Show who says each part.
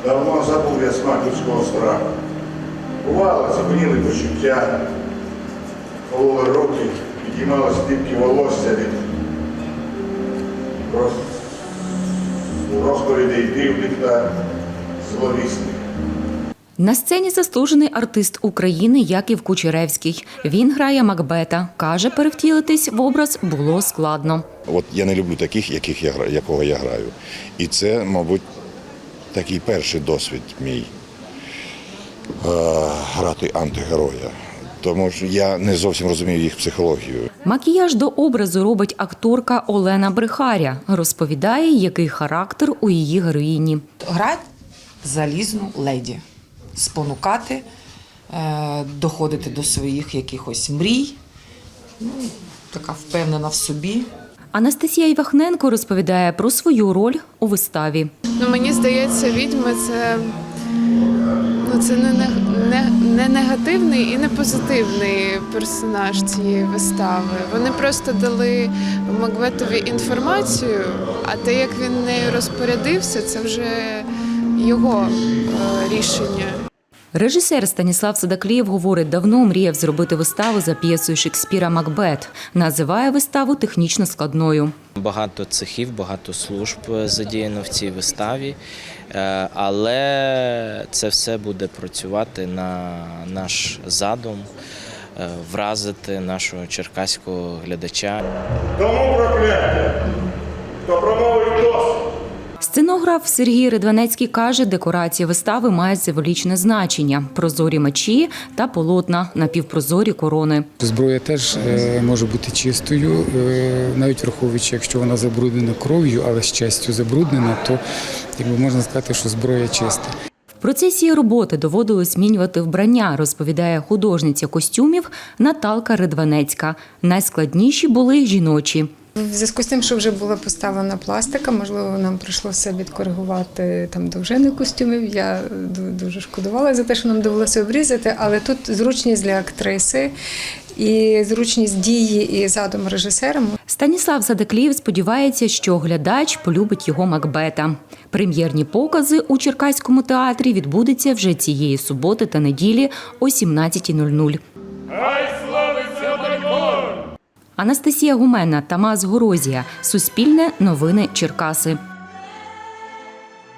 Speaker 1: Давно забув я смак людського страху. Бувало, ціпеніли почуття, кололи руки, підіймали стіпки волосся від розповідей дивних та зловісних.
Speaker 2: На сцені заслужений артист України Яків Кучеревський. Він грає Макбета. Каже, перевтілитись в образ було складно.
Speaker 3: От я не люблю таких, якого я граю. І це, мабуть, такий перший досвід мій грати антигероя. Тому що я не зовсім розумію їх психологію.
Speaker 2: Макіяж до образу робить акторка Олена Брехаря. Розповідає, який характер у її героїні.
Speaker 4: Грати залізну леді, спонукати, доходити до своїх якихось мрій, така впевнена в собі.
Speaker 2: Анастасія Івахненко розповідає про свою роль у виставі.
Speaker 5: Мені здається, відьми це не негативний і не позитивний персонаж цієї вистави. Вони просто дали Макбетові інформацію, а те, як він нею розпорядився, це вже його рішення.
Speaker 2: Режисер Станіслав Садаклієв говорить, давно мріяв зробити виставу за п'єсою Шекспіра «Макбет». Називає виставу технічно складною.
Speaker 6: Багато цехів, багато служб задіяно в цій виставі, але це все буде працювати на наш задум, вразити нашого черкаського глядача.
Speaker 1: Тому прокляття, хто промовить досить.
Speaker 2: Сценограф Сергій Ридванецький каже, декорації вистави мають символічне значення – прозорі мечі та полотна, напівпрозорі корони.
Speaker 7: Зброя теж може бути чистою, навіть враховуючи, якщо вона забруднена кров'ю, але з честю забруднена, то можна сказати, що зброя чиста.
Speaker 2: В процесі роботи доводилось змінювати вбрання, розповідає художниця костюмів Наталка Ридванецька. Найскладніші були жіночі.
Speaker 8: В зв'язку з тим, що вже була поставлена пластика, можливо, нам прийшлося відкоригувати довжини костюмів. Я дуже шкодувала за те, що нам довелося обрізати, але тут зручність для актриси і зручність дії і задум режисера.
Speaker 2: Станіслав Садаклієв сподівається, що глядач полюбить його Макбета. Прем'єрні покази у Черкаському театрі відбудуться вже цієї суботи та неділі о 17:00.
Speaker 9: Хай славиться Байкон!
Speaker 2: Анастасія Гумена, Тамас Горозія. Суспільне новини Черкаси.